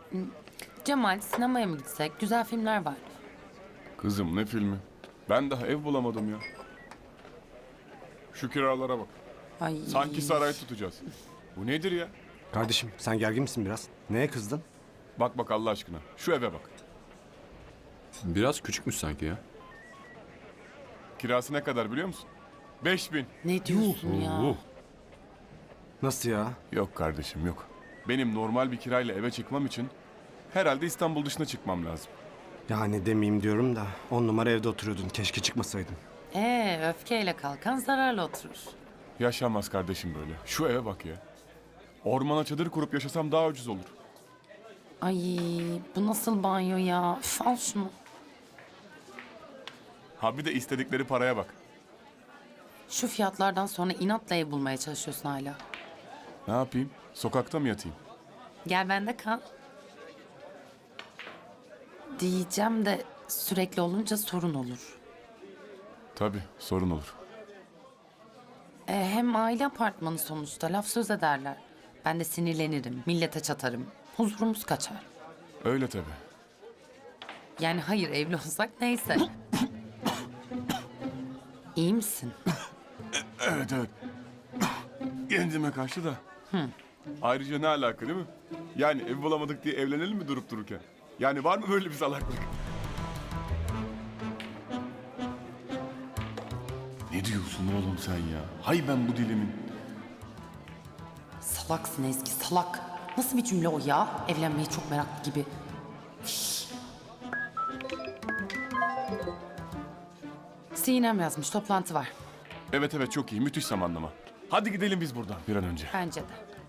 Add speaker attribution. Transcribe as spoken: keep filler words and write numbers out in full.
Speaker 1: Cemal, sinemaya mı gitsek? Güzel filmler var.
Speaker 2: Kızım ne filmi? Ben daha ev bulamadım ya. Şu kiralara bak.
Speaker 1: Ay.
Speaker 2: Sanki saray tutacağız. Bu nedir ya?
Speaker 3: Kardeşim sen gergin misin biraz? Neye kızdın?
Speaker 2: Bak bak Allah aşkına. Şu eve bak.
Speaker 4: Biraz küçükmüş sanki ya.
Speaker 2: Kirası ne kadar biliyor musun? Beş bin.
Speaker 1: Ne diyorsun ya?
Speaker 3: Nasıl ya?
Speaker 2: Yok kardeşim yok. Benim normal bir kirayla eve çıkmam için herhalde İstanbul dışına çıkmam lazım.
Speaker 3: Yani demeyeyim diyorum da on numara evde oturuyordun. Keşke çıkmasaydın.
Speaker 1: Ee, öfkeyle kalkan zararla oturur.
Speaker 2: Yaşanmaz kardeşim böyle. Şu eve bak ya. Ormana çadır kurup yaşasam daha ucuz olur.
Speaker 1: Ay, bu nasıl banyo ya? Üf, al şunu.
Speaker 2: Ha bir de istedikleri paraya bak.
Speaker 1: Şu fiyatlardan sonra inatla ev bulmaya çalışıyorsun hala.
Speaker 2: Ne yapayım? Sokakta mı yatayım?
Speaker 1: Gel bende kal. Diyeceğim de sürekli olunca sorun olur.
Speaker 2: Tabii sorun olur.
Speaker 1: E, hem aile apartmanı sonuçta laf söz ederler. Ben de sinirlenirim, millete çatarım. Huzurumuz kaçar.
Speaker 2: Öyle tabii.
Speaker 1: Yani hayır evli olsak neyse. İyi misin?
Speaker 2: Evet evet. Kendime karşı da. Ayrıca ne alaka değil mi? Yani ev bulamadık diye evlenelim mi durup dururken? Yani var mı böyle bir salaklık? Ne diyorsun oğlum sen ya? Hay ben bu dilimin.
Speaker 1: Salaksın Ezgi, salak. Nasıl bir cümle o ya? Evlenmeyi çok meraklı gibi. Üf. Sinem yazmış, toplantı var.
Speaker 2: Evet evet çok iyi müthiş zamanlama. Hadi gidelim biz buradan bir an önce.
Speaker 1: Bence de.